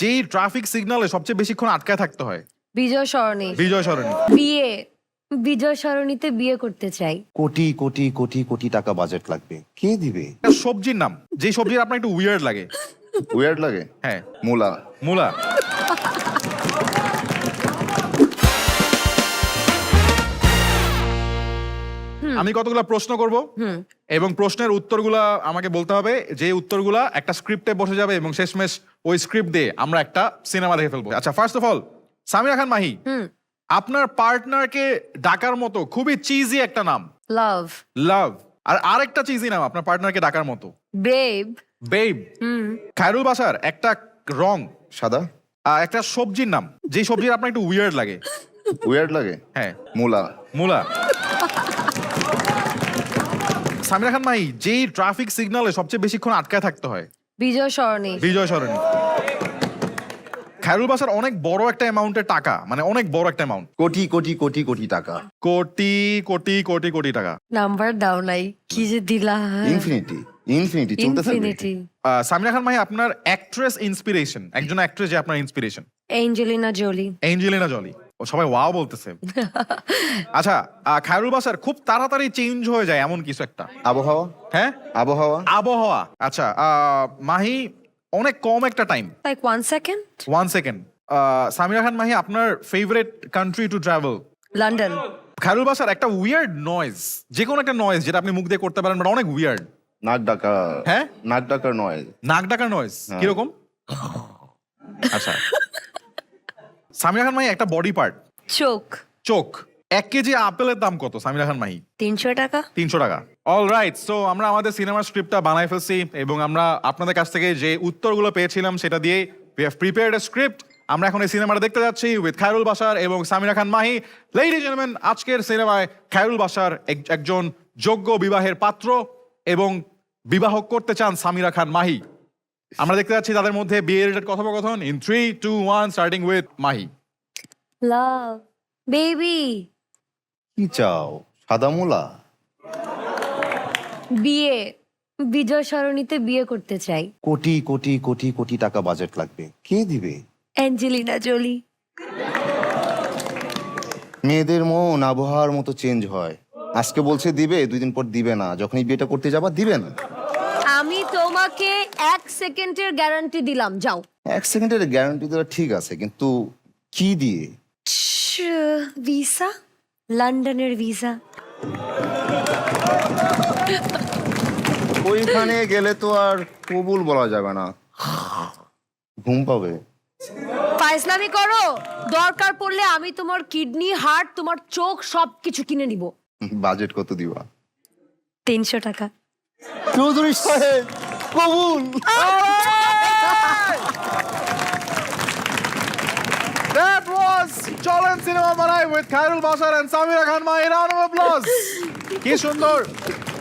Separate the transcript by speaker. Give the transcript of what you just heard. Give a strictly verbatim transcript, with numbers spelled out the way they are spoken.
Speaker 1: যেই ট্রাফিক সিগন্যালে সবচেয়ে বেশিক্ষণ আটকায় থাকতে হয়?
Speaker 2: বিজয় সরণি।
Speaker 1: বিজয় সরণি।
Speaker 2: বিয়ে, বিজয় সরণিতে বিয়ে করতে চাই।
Speaker 3: কোটি কোটি কোটি কোটি টাকা বাজেট লাগবে, কে দিবে?
Speaker 1: একটা সবজির নাম, যে সবজির আপনার একটু উইয়ার্ড লাগে।
Speaker 3: উইয়ার্ড লাগে?
Speaker 1: হ্যাঁ,
Speaker 3: মূলা।
Speaker 1: মূলা। আমি কতগুলা প্রশ্ন করব এবং প্রশ্নের উত্তরগুলা আমাকে বলতে হবে, যে উত্তরগুলা একটা স্ক্রিপ্টে বসে যাবে এবং শেষমেশ ওই স্ক্রিপ্ট দিয়ে আমরা একটা সিনেমা দেখে ফেলবো। আচ্ছা, first of all Samira Khan Mahi, আপনার পার্টনারকে ডাকার মতো খুবই চিজি একটা নাম।
Speaker 2: লাভ।
Speaker 1: লাভ। আর আরেকটা চিজি নাম আপনার পার্টনারকে ডাকার মতো?
Speaker 2: বেব।
Speaker 1: বেব। খায়রুল বাশার একটা রং।
Speaker 3: সাদা।
Speaker 1: আর একটা সবজির নাম, যে সবজির আপনার একটু উইয়ার্ড লাগে।
Speaker 3: উইয়ার্ড লাগে?
Speaker 1: হ্যাঁ,
Speaker 3: মূলা।
Speaker 1: মূলা। সামিরা খান মাহি, যেই ট্রাফিক সিগন্যালে সবচেয়ে বেশিক্ষণ আটকায় থাকতে হয়?
Speaker 2: বিজয় সরণি।
Speaker 1: বিজয় সরণি। খায়রুল বাশার অনেক বড় একটা অ্যামাউন্টের টাকা, মানে অনেক বড় একটা অ্যামাউন্ট।
Speaker 3: কোটি কোটি কোটি কোটি টাকা।
Speaker 1: কোটি কোটি কোটি কোটি টাকা।
Speaker 2: নাম্বার দাও নাই, কি যে দিলা।
Speaker 3: ইনফিনিটি। ইনফিনিটি চলতে থাকবে।
Speaker 2: ইনফিনিটি।
Speaker 1: আহ, সামিরা খান মাহি, আপনার অ্যাক্ট্রেস ইন্সপিরেশন, একজন অ্যাক্ট্রেস যে আপনার inspiration?
Speaker 2: Angelina Jolie.
Speaker 1: Angelina Jolie. ও সবাই ওয়াও বলতেছে। আচ্ছা, আহ, খায়রুল বাশার খুব তাড়াতাড়ি চেঞ্জ হয়ে যায় এমন কিছু একটা?
Speaker 3: আবহাওয়া।
Speaker 1: হ্যাঁ,
Speaker 3: আবহাওয়া।
Speaker 1: আবহাওয়া। আচ্ছা, আহ, মাহি অনেক কম একটা time,
Speaker 2: like one second.
Speaker 1: One second. Samira Khan Mahi, আপনার favourite country to travel?
Speaker 2: London.
Speaker 1: Khairul Bashar একটা উইয়ার্ড নয়েজ, যে কোনো একটা নয়েজ যেটা আপনি মুখ দিয়ে করতে পারেন, বাট অনেক উইয়ার্ড।
Speaker 3: নাক ডাকা।
Speaker 1: হ্যাঁ,
Speaker 3: নাক ডাকার নয়।
Speaker 1: নাক ডাকার নয়েজ কিরকম? আচ্ছা, সামিরা খান মাহি একটা বডি পার্ট।
Speaker 2: চোখ।
Speaker 1: চোখ। এক কেজি আপেলের দাম কত সামিরা খান মাহি?
Speaker 2: তিনশো টাকা।
Speaker 1: তিনশো টাকা। অল রাইট, সো আমরা আমাদের সিনেমার স্ক্রিপ্টটা বানাই ফেলছি এবং আমরা আপনাদের কাছ থেকে যে উত্তরগুলো পেয়েছিলাম সেটা দিয়ে we have prepared a script. আমরা এখন এই সিনেমাটা দেখতে যাচ্ছি উইথ খায়রুল বাশার এবং Samira Khan Mahi. Ladies and gentleman, আজকের সিনেমায় খায়রুল বাশার এক- একজন যোগ্য বিবাহের পাত্র এবং বিবাহ করতে চান সামিরা খান মাহি। আমরা দেখতে যাচ্ছি তাদের মধ্যে বিয়ে রিলেটেড কথোপকথন in three two one, starting with Mahi.
Speaker 2: Love. Baby.
Speaker 3: কি চাও? সাদা মূলা।
Speaker 2: বিয়ে, বিজয় সরণিতে বিয়ে করতে চাই।
Speaker 3: কোটি কোটি কোটি কোটি টাকা বাজেট লাগবে, কে দিবে?
Speaker 2: Angelina Jolie.
Speaker 3: মেয়েদের মন আবহাওয়ার মতো চেঞ্জ হয়, আজকে বলছে দিবে, দুই দিন পর দিবে না, যখন এই বিয়েটা করতে যাবা দিবে না।
Speaker 2: আমি তোমাকে এক সেকেন্ডের গ্যারান্টি দিলাম, যাও।
Speaker 3: এক সেকেন্ডের গ্যারান্টি দেওয়া ঠিক আছে, কিন্তু কি দিয়ে?
Speaker 2: ভিসা, লন্ডনের ভিসা।
Speaker 3: ওইখানে গেলে তো আর কবুল বলা যাবে না, ঘুম পাবে।
Speaker 2: ফাইজলামি করো, দরকার পড়লে আমি তোমার কিডনি, হার্ট, তোমার চোখ সবকিছু কিনে নিব।
Speaker 3: বাজেট কত দিবা?
Speaker 2: তিনশো টাকা।
Speaker 3: চৌধুরী সাহেব কবুল।
Speaker 1: That was চলেন সিনেমা বানাই with Khairul Bashar and Samira Khan Mahi. Round of applause. কি সুন্দর